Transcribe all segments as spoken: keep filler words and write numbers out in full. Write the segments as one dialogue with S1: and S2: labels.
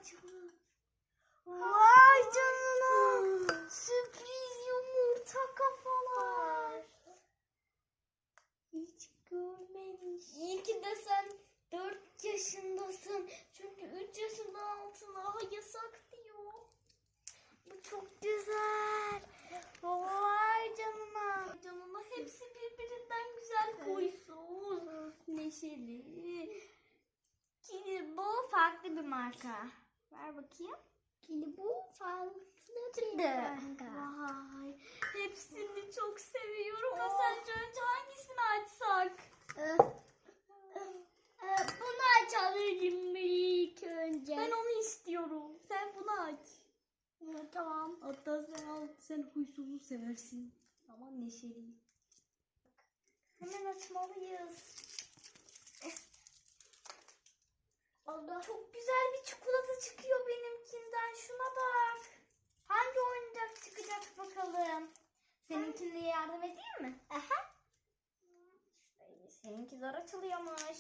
S1: açılır. Vay canına. Sürpriz yumurta kafalar. Hiç görmemiş. İyi ki de sen dört yaşındasın. Çünkü üç yaşından altına yasak diyor. Bu çok güzel. Vay canına. Canına hepsi birbirinden güzel, huysuz, neşeli. Ki bu farklı bir marka. Ver bakayım.
S2: Şimdi bu farklı bir
S1: De.
S2: marka.
S1: Vay. Hepsini çok seviyorum. Ama sence önce hangisini açsak?
S2: Ee, e, bunu açalım ilk önce.
S1: Ben onu istiyorum. Sen bunu aç.
S2: Hı, tamam.
S1: Hatta sen al, sen huysuzu seversin. Ama neşeli. Hemen açmalıyız. Allah, çok güzel bir çikolata çıkıyor benimkinden. Şuna bak. Hangi oyuncak çıkacak bakalım. Seninkine yardım edeyim mi?
S2: Aha.
S1: Seninki zor açılıyormuş.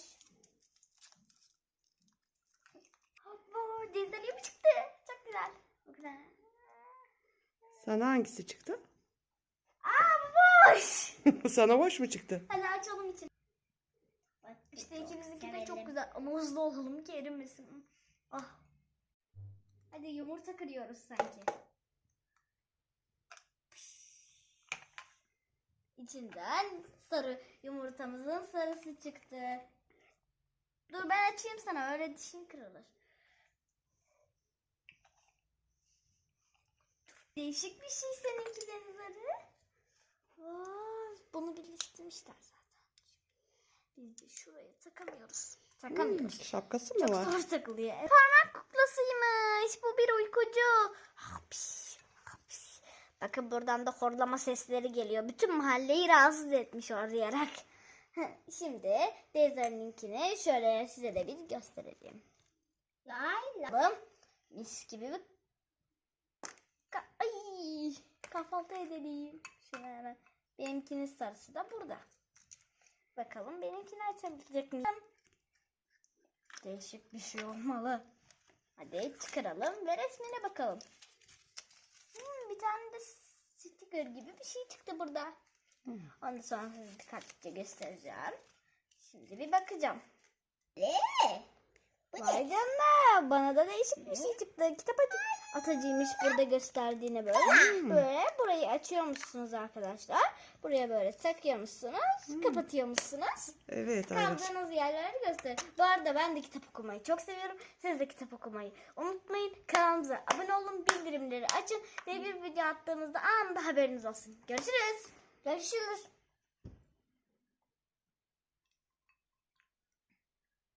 S1: Bu dizleri mi çıktı? Çok güzel. Çok güzel.
S3: Sana hangisi çıktı?
S1: Aa, bu boş.
S3: Sana boş mu çıktı?
S1: Hadi açalım için. İşte ikimizinki de çok güzel ama hızlı olalım ki erimesin. Ah. Hadi yumurta kırıyoruz sanki. İçinden sarı yumurtamızın sarısı çıktı. Dur ben açayım sana, öyle dişin kırılır. Değişik bir şey seninki Denizleri. Vay, bunu birleştirmişler zaten. Biz de şuraya takamıyoruz. Takamıyoruz.
S3: Hmm, şapkası mı
S1: Çok
S3: var?
S1: zor takılıyor. Parmak kuklasıymış. Bu bir uykucu. Hapis, hapis. Bakın buradan da horlama sesleri geliyor. Bütün mahalleyi rahatsız etmiş horlayarak. Şimdi Denizleri'ninkini şöyle size de bir gösterelim.
S2: Layla.
S1: Mis gibi bir... Ka- Ay, kahvaltı edelim. Şöyle hemen. Benimkinin sarısı da burada. Bakalım benimkini açabilecek miyim? Değişik bir şey olmalı. Hadi çıkaralım ve resmine bakalım. Hmm, bir tane de sticker gibi bir şey çıktı burada.
S3: Hmm.
S1: Onu sonra size dikkatlice göstereceğim. Şimdi bir bakacağım.
S2: Eee?
S1: Vay canına, bana da değişik bir şey çıktı. Kitap at- atacıymış burada gösterdiğine böyle. Böyle burayı açıyormuşsunuz arkadaşlar. Buraya böyle takıyormuşsunuz, kapatıyormuşsunuz.
S3: Evet, evet.
S1: Kaldığınız yerleri gösterir. Bu arada ben de kitap okumayı çok seviyorum. Siz de kitap okumayı unutmayın. Kanalımıza abone olun, bildirimleri açın ve bir video attığımızda anında haberiniz olsun. Görüşürüz.
S2: Görüşürüz.